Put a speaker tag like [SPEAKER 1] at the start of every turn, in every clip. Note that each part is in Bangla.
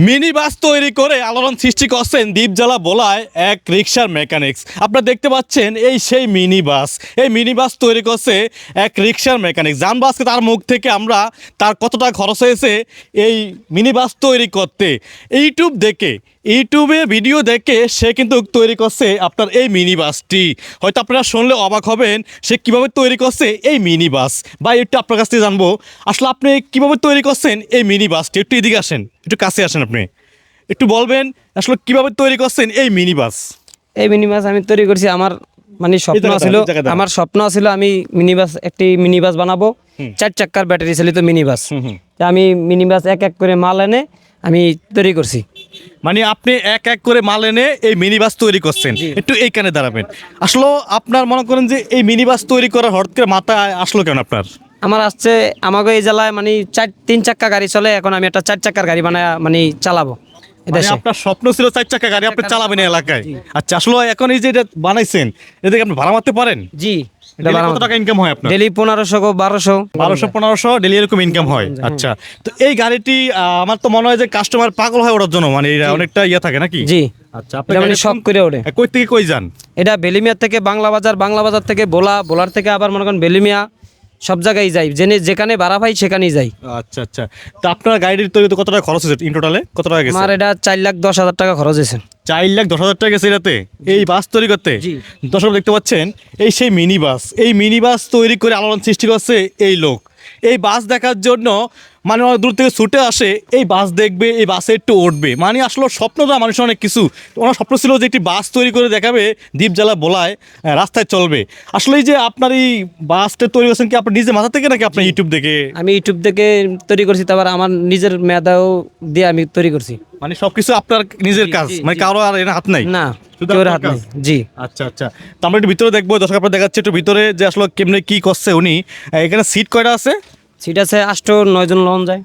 [SPEAKER 1] মিনি বাস তৈরি করে আলোড়ন সৃষ্টি করছেন দ্বীপজেলা বলায় এক রিক্সার মেকানিক্স। আপনারা দেখতে পাচ্ছেন এই সেই মিনি বাস। এই মিনি বাস তৈরি করছে এক রিক্সার মেকানিক্স। জানবো আজকে তার মুখ থেকে আমরা তার কতটা খরচ হয়েছে এই মিনি বাস তৈরি করতে। ইউটিউবে ভিডিও দেখে সে কিন্তু তৈরি করছে আপনার এই মিনি বাসটি। হয়তো আপনারা শুনলে অবাক হবেন সে কীভাবে তৈরি করছে এই মিনি বাস। বা একটু আপনার কাছ থেকে জানবো আসলে আপনি কীভাবে তৈরি করছেন এই মিনি বাসটি। একটু এদিকে আসেন, একটু কাছে আসেন, আপনি একটু বলবেন আসলে কীভাবে তৈরি করছেন এই মিনি বাস।
[SPEAKER 2] এই মিনি বাস আমি তৈরি করছি আমার স্বপ্ন ছিল আমি একটি মিনি বাস বানাবো, 4 চাক্কার ব্যাটারি চালিত মিনি বাস। আমি মিনি বাস এক এক করে মাল এনে আমি তৈরি করছি।
[SPEAKER 1] মানে আপনি এক এক করে মাল এনে এই মিনি বাস তৈরি করছেন। একটু এইখানে দাঁড়াবেন। আসলে আপনার মনে করেন যে এই মিনি বাস তৈরি করার হঠাৎ করে মাথায় আসলো কেন আপনার?
[SPEAKER 2] আমার আসছে আমাকে এই জেলায় মানে 3 চাক্কা গাড়ি চলে, এখন আমি একটা 4 চাক্কার গাড়ি বানায় মানে চালাবো।
[SPEAKER 1] মানে আপনার স্বপ্ন ছিল 4 চাক্কা গাড়ি আপনি চালাবেন এই এলাকায়। আচ্ছা, আসলে এখন এই যে এটা বানাইছেন এটা আপনি ভাড়া মারতে পারেন?
[SPEAKER 2] জি।
[SPEAKER 1] কত টাকা ইনকাম হয় আপনার?
[SPEAKER 2] ডেলি 1500
[SPEAKER 1] ডেলি এরকম ইনকাম হয়। আচ্ছা, তো এই গাড়িটি আমার তো মনে হয় যে কাস্টমার পাগল হয় ওটার জন্য, মানে এটা অনেকটা ইয়ে থাকে নাকি?
[SPEAKER 2] জি।
[SPEAKER 1] আচ্ছা, আপনি
[SPEAKER 2] মানে সব করে ওঠে।
[SPEAKER 1] কই থেকে কই যান?
[SPEAKER 2] এটা বেলিমিয়া থেকে বাংলা বাজার থেকে বোলার থেকে আবার মনে করেন বেলিমিয়া, সব জায়গায় যাই, যেখানে ভাড়া পাই সেখানেই যাই।
[SPEAKER 1] আচ্ছা আচ্ছা, তো আপনার গাড়ির তৈরিতে কত টাকা খরচ হয়েছে? ইন টোটালে কত টাকা গেছে?
[SPEAKER 2] আমার এটা 4,10,000 টাকা খরচ হয়েছে।
[SPEAKER 1] 4,10,000 টাকা গেছে এটাতে এই বাস তৈরি করতে। দর্শক দেখতে পাচ্ছেন এই সেই মিনি বাস। এই মিনি বাস তৈরি করে আলোড়ন সৃষ্টি করছে এই লোক। এই বাস দেখার জন্য মানে অনেক দূর থেকে ছুটে আসে, এই বাস দেখবে, এই বাসে একটু উঠবে। মানে আসলে স্বপ্ন তো মানুষের অনেক কিছু। ওনার স্বপ্ন ছিল যে একটি বাস তৈরি করে দেখাবে দ্বীপজেলা বলায় রাস্তায় চলবে। আসলে এই যে আপনার এই বাসটা তৈরি করছেন কি আপনার নিজের মাথা থেকে নাকি আপনার ইউটিউব দেখে?
[SPEAKER 2] আমি ইউটিউব দেখে তৈরি করছি, তারপর আমার নিজের মেধাও দিয়ে আমি তৈরি করছি।
[SPEAKER 1] মানে সবকিছু আপনার নিজের কাজ, মানে কারো আর এর হাত নাই?
[SPEAKER 2] না,
[SPEAKER 1] শুধু
[SPEAKER 2] কেউ
[SPEAKER 1] আপনার
[SPEAKER 2] হাত
[SPEAKER 1] কাজ?
[SPEAKER 2] নেই। জি।
[SPEAKER 1] আচ্ছা আচ্ছা, তো আমরা একটু ভিতরে দেখবো। দর্শক আপনার দেখাচ্ছে একটু ভিতরে যে আসলে কেমনে কি করছে উনি। এখানে সিট কয়টা আছে?
[SPEAKER 2] সিট আছে 8-9 জন লন যায়।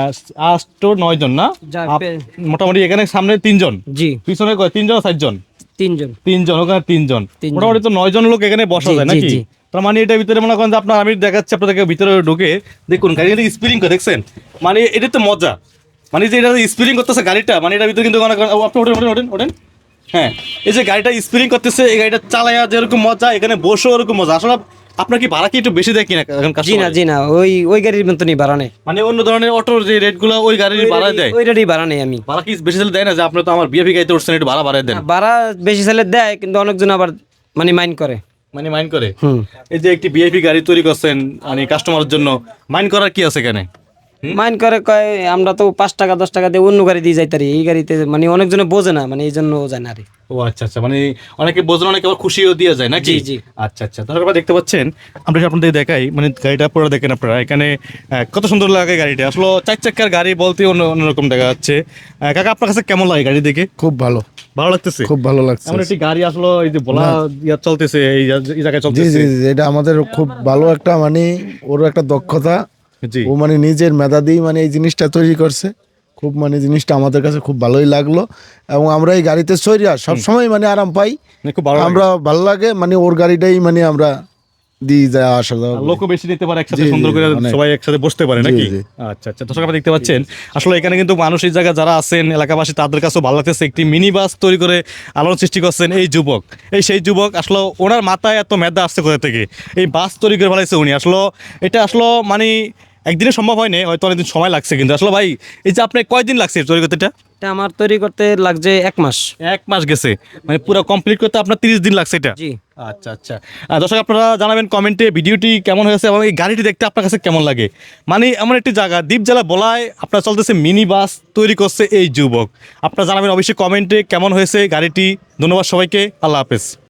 [SPEAKER 1] 8-9 জন না? মোটামুটি এখানে সামনে 3 জন,
[SPEAKER 2] জি।
[SPEAKER 1] পিছনে 3 জন 4 জন?
[SPEAKER 2] 3 জন।
[SPEAKER 1] 3 জন, ওখানে 3 জন, মোটামুটি তো 9 জন লোক এখানে বসা যায় নাকি? তার মানে এটার ভিতরে মনে করেন যে আপনার, আমি দেখাচ্ছি আপনাদেরকে ভিতরে ঢুকে দেখুন গাড়ি স্পিরিং করে দেখছেন। মানে এটা তো মজা, মানে যে এটা স্পিরিং করতেছে গাড়িটা, মানে এটার ভিতরে কিন্তু আপনি ওঠেন। হ্যাঁ, এই যে গাড়িটা স্পিরিং করতেছে, এই গাড়িটা চালায়া যেরকম মজা, এখানে বসেও ওরকম মজা। আসলে আপনার কি ভাড়া কি একটু বেশি দেয় কিনা?
[SPEAKER 2] জি না, ওই গাড়ির মতনই ভাড়া নেই।
[SPEAKER 1] মানে অন্য ধরনের অটোর যে রেটগুলো ওই গাড়ির ভাড়া দেয়,
[SPEAKER 2] ওই রেটই ভাড়া নেই। আমি
[SPEAKER 1] ভাড়া কি বেশি চাইলে দেয় না? যে আপনি তো আমার বিএপি গাড়িতে উঠছেন, একটু ভাড়া বাড়ায় দেন।
[SPEAKER 2] ভাড়া বেশি চাইলে দেয়, কিন্তু অনেকজন আবার মানে মাইন্ড করে।
[SPEAKER 1] মানে মাইন্ড করে? এই যে একটি বিআইপি গাড়ি তৈরি করছেন মানে কাস্টমারের জন্য, মাইন্ড করার কি আছে এখানে?
[SPEAKER 2] মাইন্ড করে, কয় আমরা তো 5 টাকা 10 টাকা দিয়ে অন্য গাড়ি দিয়ে যাইতারি, এই গাড়িতে মানে অনেকজনে বোঝে না, মানে এই জন্য যায় না।
[SPEAKER 1] ও আচ্ছা আচ্ছা, মানে অনেকে বোঝেন, অনেকে আবার খুশিও দিয়ে যায় নাকি?
[SPEAKER 2] জি জি।
[SPEAKER 1] আচ্ছা আচ্ছা, তাহলে আপনারা দেখতে পাচ্ছেন, আমরা আপনাদের দেখাই মানে গাড়িটা পুরো দেখেন আপনারা। এখানে কত সুন্দর লাগে গাড়িটা। আসলে 4 চাক্কার গাড়ি বলতে অন্যরকম দেখা যাচ্ছে। কাকা, আপনার কাছে কেমন লাগে গাড়ি দেখে?
[SPEAKER 3] খুব ভালো
[SPEAKER 1] লাগতেছে?
[SPEAKER 3] খুব ভালো লাগছে।
[SPEAKER 1] এমন একটি গাড়ি আসলে এই যে বলা চলতেছে, এই জায়গায়
[SPEAKER 3] জি
[SPEAKER 1] চলতেছে।
[SPEAKER 3] জি জি, এটা আমাদের খুব ভালো একটা মানে ওর একটা দক্ষতা। ও মানে নিজের মেধা দিয়ে মানে এই জিনিসটা তৈরি করছে। খুব মানে জিনিসটা আমাদের কাছে খুব ভালোই লাগলো, এবং আমরা এই গাড়িতে চড়িয়া সবসময় মানে আরাম পাই। আমরা ভালো লাগে, মানে ওর গাড়িটাই মানে আমরা দিয়ে যায় আসা যাওয়া।
[SPEAKER 1] লোকও বেশি নিতে পারে একসাথে, সুন্দর করে সবাই একসাথে বসতে পারে নাকি? আচ্ছা আচ্ছা, দর্শক আপনারা দেখতে পাচ্ছেন আসলে এখানে কিন্তু মানুষ এই জায়গায় যারা আছেন এলাকাবাসী, তাদের কাছেও ভালো লাগতেছে। একটি মিনি বাস তৈরি করে আলোড়ন সৃষ্টি করছেন এই যুবক। সেই যুবক আসলে ওনার মাথায় এত মেধা আসছে কোথা থেকে? এই বাস তৈরি করে ফেলাইছে উনি। আসলে এটা আসলে মানে একদিনে সম্ভব হয়নি, হয়তো অনেকদিন সময় লাগছে। কিন্তু আসলে ভাই, এই যে আপনি কয়দিন লাগছে তৈরি করতে?
[SPEAKER 2] এটা আমার তৈরি করতে লাগছে 1 মাস।
[SPEAKER 1] 1 মাস গেছে, মানে পুরো কমপ্লিট করতে আপনার 30 দিন লাগছে এটা?
[SPEAKER 2] জি।
[SPEAKER 1] আচ্ছা আচ্ছা, দর্শক আপনারা জানাবেন কমেন্টে ভিডিওটি কেমন হয়েছে এবং এই গাড়িটি দেখতে আপনার কাছে কেমন লাগে। মানে এমন একটি জায়গা দ্বীপজেলা বলায় আপনার চলতেছে মিনি বাস তৈরি করছে এই যুবক। আপনারা জানাবেন অবশ্যই কমেন্টে কেমন হয়েছে গাড়িটি। ধন্যবাদ সবাইকে, আল্লাহ হাফেজ।